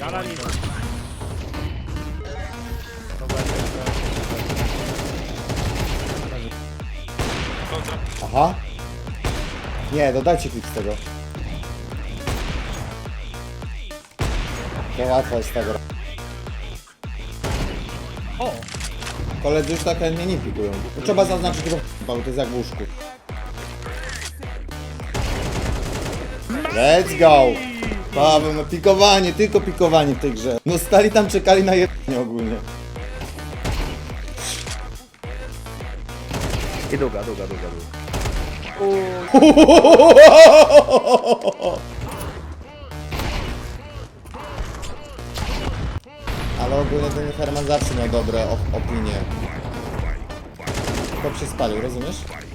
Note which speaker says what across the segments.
Speaker 1: Gala nic.
Speaker 2: Aha. Nie, dodajcie klik z tego. To łatwo jest z tego.
Speaker 1: O!
Speaker 2: Koledzy już tak chętnie nie pikują. To trzeba zaznaczyć tego bo to jest jak w łóżku. Let's go! Paweł, no pikowanie, tylko pikowanie w tej grze. No stali tam, czekali na jedzenie ogólnie.
Speaker 1: I długa.
Speaker 2: Ale ogólnie ten Herman zawsze miał dobre opinie. Chłop się spalił, rozumiesz?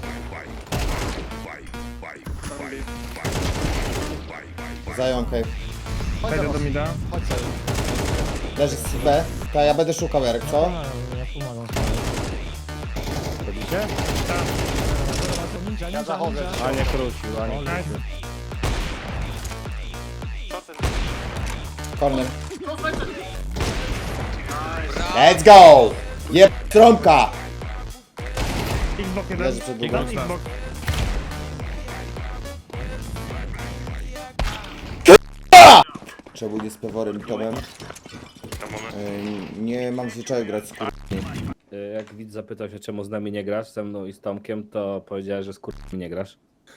Speaker 2: Zajął cave.
Speaker 3: Wejdę do mida.
Speaker 2: Leży z B. To ja będę szukał Jarek, co?
Speaker 4: Ja pomagam.
Speaker 1: Robicie?
Speaker 4: Ja zachodzę.
Speaker 1: A nie krócił, a nie krócił.
Speaker 2: Corner. Let's go! Jeb trąbka!
Speaker 3: Xbox jeden.
Speaker 2: Leży przed długą.
Speaker 3: Xbox.
Speaker 2: Trzeba było z peworem i Tomem. Nie mam zwyczaju grać z
Speaker 1: Jak widz zapytał się, czemu z nami nie grasz, ze mną i z Tomkiem, to powiedziałeś, że z nie grasz.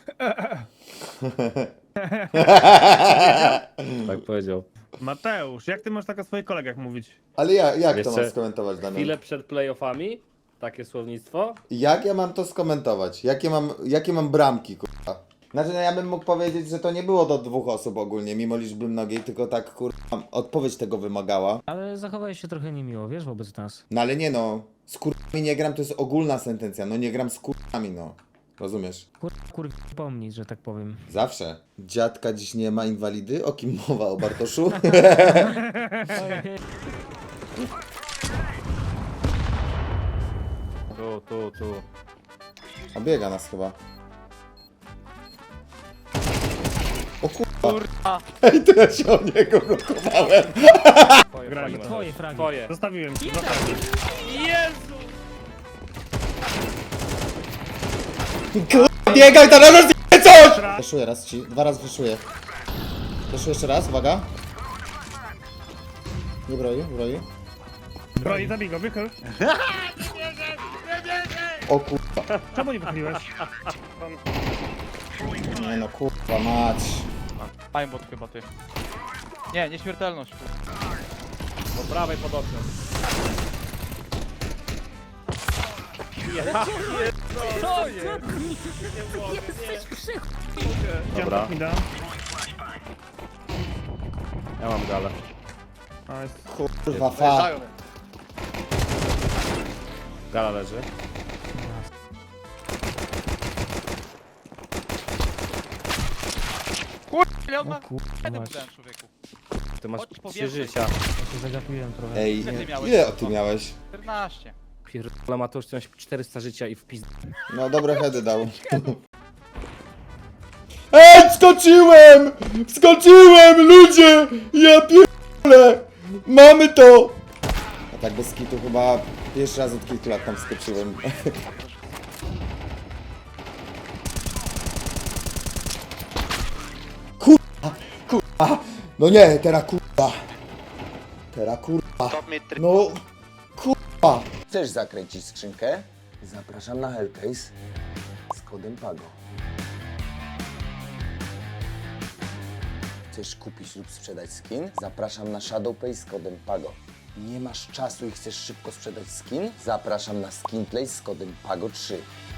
Speaker 1: Tak powiedział.
Speaker 3: Mateusz, jak ty możesz tak o swoich kolegach mówić?
Speaker 2: Ale jak to
Speaker 1: Jeszcze
Speaker 2: mam skomentować, Damian?
Speaker 1: Chwilę przed playoffami, takie słownictwo.
Speaker 2: Jak ja mam to skomentować? Jakie mam bramki, kurwa? Znaczy, no ja bym mógł powiedzieć, że to nie było do 2 osób ogólnie, mimo liczby mnogiej, tylko tak, kurwa, odpowiedź tego wymagała.
Speaker 4: Ale zachowałeś się trochę niemiło, wiesz, wobec nas.
Speaker 2: No ale nie no, z kurwami nie gram, to jest ogólna sentencja, no nie gram z kurwami, no. Rozumiesz?
Speaker 4: Pomnieć, że tak powiem.
Speaker 2: Zawsze. Dziadka dziś nie ma, inwalidy? O kim mowa, o Bartoszu?
Speaker 1: Tu.
Speaker 2: Obiega nas chyba. O kurwa. Ej, to ja się o niego gotowałem.
Speaker 3: Grajmy.
Speaker 4: Twoje fragi.
Speaker 1: Twoje.
Speaker 3: Zostawiłem ci. Zostawiłem.
Speaker 1: Jezu!
Speaker 2: Kurwa, biegaj, to nas nie coś! Wyszuję raz ci, 2 razy wyszuję. Wyszuję jeszcze raz, uwaga. Nie broi.
Speaker 3: Broi, zabij go, wychyl.
Speaker 2: O kurwa.
Speaker 3: Czemu nie wychyliłeś?
Speaker 2: Nie no, kurwa mać.
Speaker 5: Aimbot chyba ty. Nie, nieśmiertelność.
Speaker 1: Po prawej pod oknem.
Speaker 4: Co jest? Jesteś przych...
Speaker 1: Dobra.
Speaker 3: Idziemy mida.
Speaker 1: Ja mam galę.
Speaker 3: Nice.
Speaker 2: Kurwa fa.
Speaker 1: Gala leży.
Speaker 5: Ile on
Speaker 4: O
Speaker 5: ma?
Speaker 4: kurwa,
Speaker 5: Jeden
Speaker 4: mać.
Speaker 5: wydałem, człowieku.
Speaker 1: Ty masz
Speaker 5: Chodź,
Speaker 1: 3
Speaker 5: powietrze.
Speaker 1: życia.
Speaker 4: Ja się zagapiłem trochę.
Speaker 2: Ej,
Speaker 5: Ile ty miałeś?
Speaker 2: ile ty miałeś?
Speaker 5: 14.
Speaker 1: Pierdolę Mateusz, ty masz 400 życia i w pizd...
Speaker 2: No dobre heady dał. Ej, skoczyłem! Skoczyłem, ludzie! Ja pierdolę! Mamy to! A tak bez kitu chyba pierwszy raz od kilku lat tam skoczyłem. Kurwa! No nie, teraz kurwa! Teraz kurwa! No kurwa! Chcesz zakręcić skrzynkę? Zapraszam na Hellcase z kodem PAGO. Chcesz kupić lub sprzedać skin? Zapraszam na ShadowPay z kodem PAGO. Nie masz czasu i chcesz szybko sprzedać skin? Zapraszam na SkinPlay z kodem PAGO3.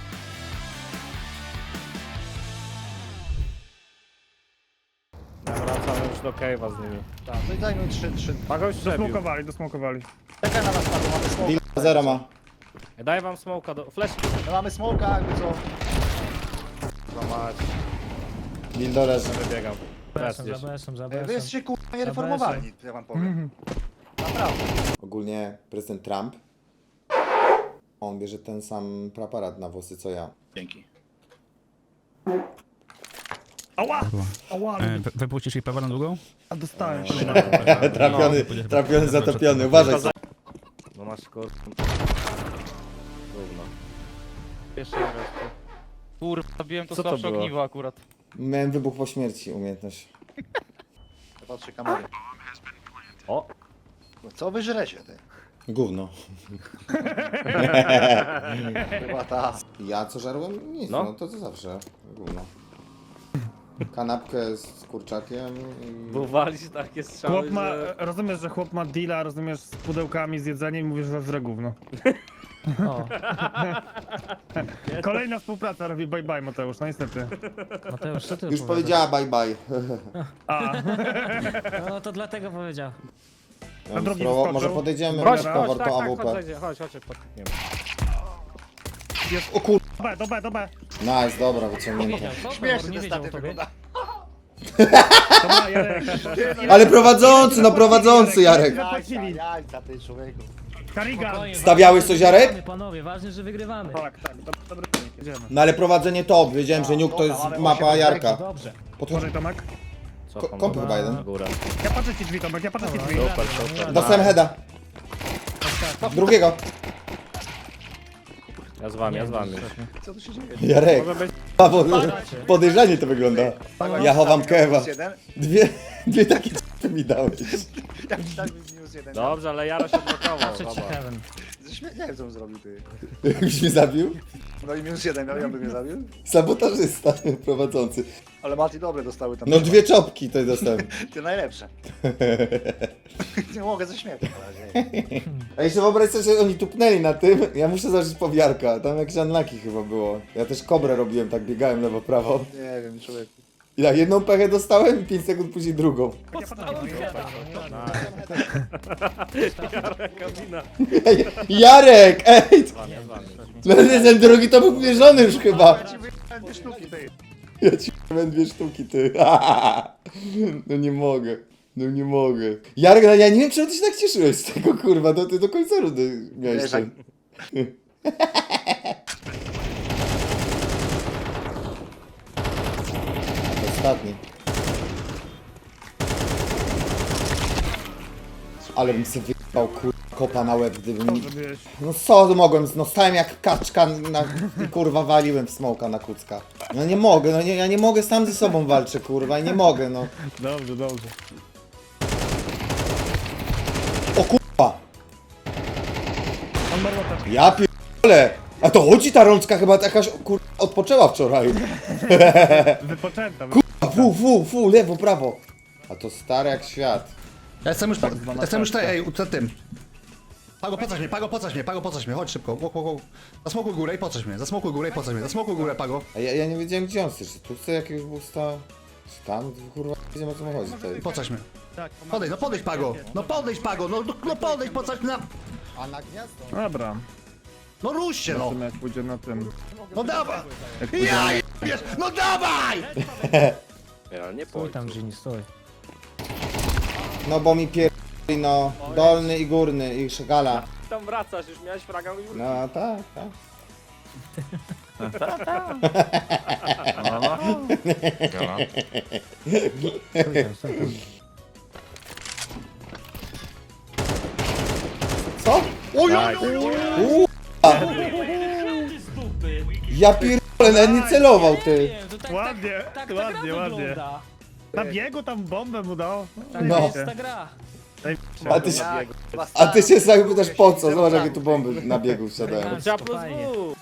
Speaker 1: Ja wracam już do cave'a z nimi.
Speaker 5: Tak, no i daj mi 3.
Speaker 1: Pagoś przebił.
Speaker 3: Dosmokowali.
Speaker 5: Czekaj na nas, Pago, mamy smoka.
Speaker 2: Bill 0 ma.
Speaker 1: Daj wam smoka do... Flash.
Speaker 5: My mamy smoka, jakby co.
Speaker 1: Złamać.
Speaker 2: Bill do leży.
Speaker 1: Wybiegam. Teraz gdzieś.
Speaker 4: Wy
Speaker 5: Wy jesteście kurwa niereformowani, ja wam powiem. Naprawdę.
Speaker 2: Ogólnie prezydent Trump. On bierze ten sam preparat na włosy co ja.
Speaker 5: Dzięki.
Speaker 3: Ała! Ała,
Speaker 6: Wypuścisz jej pewor na długą?
Speaker 3: a dostałem.
Speaker 2: Trafiony, zatopiony, uważaj.
Speaker 1: No masz kur... Gówno.
Speaker 5: Jeszcze raz. Kurwa, zabiłem to
Speaker 1: Co to
Speaker 5: słabsze
Speaker 1: było?
Speaker 5: ogniwo akurat.
Speaker 2: Miałem wybuch po śmierci, umiejętność.
Speaker 5: Patrzę kamery.
Speaker 1: O!
Speaker 5: No co wy żrecie, ty?
Speaker 2: Gówno.
Speaker 5: Chyba ta.
Speaker 2: Ja co żarłem? Nic,
Speaker 1: No.
Speaker 2: no to co zawsze. Gówno. Kanapkę z kurczakiem i...
Speaker 1: Bo walisz takie strzały,
Speaker 3: Chłop ma,
Speaker 1: że...
Speaker 3: rozumiesz, że chłop ma deala, rozumiesz, z pudełkami, z jedzeniem i mówisz, że żre gówno.
Speaker 4: O,
Speaker 3: Kolejna współpraca robi bye bye, Mateusz, no niestety.
Speaker 4: Mateusz, co ty
Speaker 2: Już
Speaker 4: opowiadasz?
Speaker 2: powiedziała bye bye.
Speaker 3: A,
Speaker 4: No to dlatego powiedział.
Speaker 2: Ja
Speaker 3: drugi
Speaker 2: spróbował-
Speaker 3: wyskoczył.
Speaker 2: może podejdziemy,
Speaker 3: Chodź,
Speaker 2: weź
Speaker 3: chodź,
Speaker 2: powór
Speaker 1: tak,
Speaker 2: tą
Speaker 1: tak,
Speaker 2: AWP.
Speaker 1: chodź, podkniemy.
Speaker 2: O kur...
Speaker 3: do B.
Speaker 2: Nice, dobra,
Speaker 4: Nie
Speaker 2: wyciągnięte.
Speaker 4: wiedział, co?
Speaker 5: Śmiesznie
Speaker 4: Nie
Speaker 5: ten
Speaker 4: wiedział o
Speaker 5: statyw
Speaker 4: tobie.
Speaker 5: wygląda.
Speaker 3: Dobra, Jarek.
Speaker 2: Ale prowadzący, no prowadzący Jarek.
Speaker 3: Zapłacili.
Speaker 5: Jajca, ty człowieku.
Speaker 3: Karigan.
Speaker 4: Spokojnie,
Speaker 2: Stawiałeś
Speaker 4: ważne,
Speaker 2: coś,
Speaker 4: że
Speaker 2: Jarek?
Speaker 4: wygrywamy, Panowie, ważne, że wygrywamy.
Speaker 3: Tak, dobry wynik, jedziemy.
Speaker 2: No ale prowadzenie top, wiedziałem, że Nuke to jest
Speaker 5: Dobra, ale
Speaker 2: mapa
Speaker 5: osiem
Speaker 2: Jarka.
Speaker 4: Dobrze.
Speaker 2: Podchodź.
Speaker 3: Uważaj, Tomek.
Speaker 1: Co
Speaker 2: Komp chyba jeden.
Speaker 1: Góra.
Speaker 3: Ja patrzę ci drzwi, Tomek, ja patrzę ci drzwi.
Speaker 1: Super, super.
Speaker 2: Dostałem heada. Drugiego.
Speaker 1: Ja z wami.
Speaker 5: Co tu się dzieje?
Speaker 2: Jarek.
Speaker 1: Może być...
Speaker 2: Podejrzanie to wygląda. Ja chowam kewa.
Speaker 5: -1.
Speaker 2: Dwie takie c***y mi dałeś.
Speaker 5: Ja myślałem, że -1.
Speaker 1: Dobrze, ale Jaro się blokował.
Speaker 4: Patrzę ci
Speaker 1: zobacz.
Speaker 4: heaven.
Speaker 5: Nie wiem, co on zrobił, ty.
Speaker 2: Jakbyś mnie zabił?
Speaker 5: No i -1, no ja bym mnie zabił.
Speaker 2: Sabotażysta prowadzący.
Speaker 5: Ale Mati dobre dostały tam.
Speaker 2: No dwie czopki to dostałem.
Speaker 5: Ty najlepsze. Nie mogę ze śmiechu na razie.
Speaker 2: A jeszcze wyobraź sobie, że oni tupnęli na tym. Ja muszę zacząć powiarka. Tam jakieś unlucky chyba było. Ja też kobrę robiłem, tak biegałem lewo, prawo.
Speaker 5: Nie wiem, człowieku.
Speaker 2: Ja jedną pechę dostałem i 5 sekund później drugą.
Speaker 3: Ja patrzę ci drzwi.
Speaker 1: Kabina.
Speaker 2: Ej, Jarek! Ej!
Speaker 1: Z wami.
Speaker 2: No ten drugi to był wierzony już chyba.
Speaker 5: Ja ci wyjechałem 2 sztuki, ty.
Speaker 2: Ja ci powiem 2 sztuki, ty. No nie mogę. No nie mogę. Jarek, no ja nie wiem, czemu ty się tak cieszyłeś z tego, kurwa. To ty do końca rundy miałeś
Speaker 5: Wiesz,
Speaker 2: ten. Ostatni. Ale bym sobie wyjebał kopa na łeb, gdybym...
Speaker 3: Zrobiłeś.
Speaker 2: No co mogłem, no stałem jak kaczka na... i kurwa waliłem w smoka na kucka. No nie mogę, no nie, ja nie mogę, sam ze sobą walczę, kurwa, i nie mogę, no.
Speaker 3: Dobrze.
Speaker 2: O kurwa!
Speaker 3: On ma lotę.
Speaker 2: Ja pierdolę! A to chodzi ta rączka chyba jakaś, kurwa, odpoczęła wczoraj.
Speaker 3: Wypoczęta.
Speaker 2: Fu, lewo, prawo. A to stare jak świat.
Speaker 7: Ja jestem już tutaj, przed tym. Pago, pocać mnie, chodź szybko. Zasmokuj górę i pocać mnie, zasmokuj górę, Pago.
Speaker 2: A ja nie wiedziałem gdzie on chce, czy tu chce jakiegoś boosta? Czy tam? Kurwa, nie wiem o co mu chodzi tutaj.
Speaker 7: Pocać mnie.
Speaker 3: Tak,
Speaker 7: Podejdź Pago, podejdź, pocać na...
Speaker 2: A na gniazdo?
Speaker 3: Dobra.
Speaker 7: No rusz się, no.
Speaker 3: Zobaczymy jak pójdzie na tym.
Speaker 7: No dawaj!
Speaker 3: Jak pójdzie
Speaker 7: Ja wiesz, no dawaj!
Speaker 1: Ale nie
Speaker 4: Stój
Speaker 1: pójdź.
Speaker 4: tam, Gini, stój.
Speaker 2: No bo mi pierdoli, no. Dolny i górny i szagala.
Speaker 1: Tam wracasz, już miałeś fraga.
Speaker 2: No tak.
Speaker 4: Stój tam.
Speaker 2: Co? Ja pierdolę, nawet nie celował, ty.
Speaker 3: Ładnie,
Speaker 4: Tak ta
Speaker 3: ładnie,
Speaker 4: gra
Speaker 3: ładnie.
Speaker 4: wygląda.
Speaker 3: Na biegu tam bombę mu dał.
Speaker 4: Tak
Speaker 2: No.
Speaker 4: jest ta gra.
Speaker 2: A ty się, a ty się sam pytasz po co? Zobacz jakie tu bomby na biegu wsiadają.
Speaker 1: Trzeba plus
Speaker 4: Fajnie.
Speaker 1: W.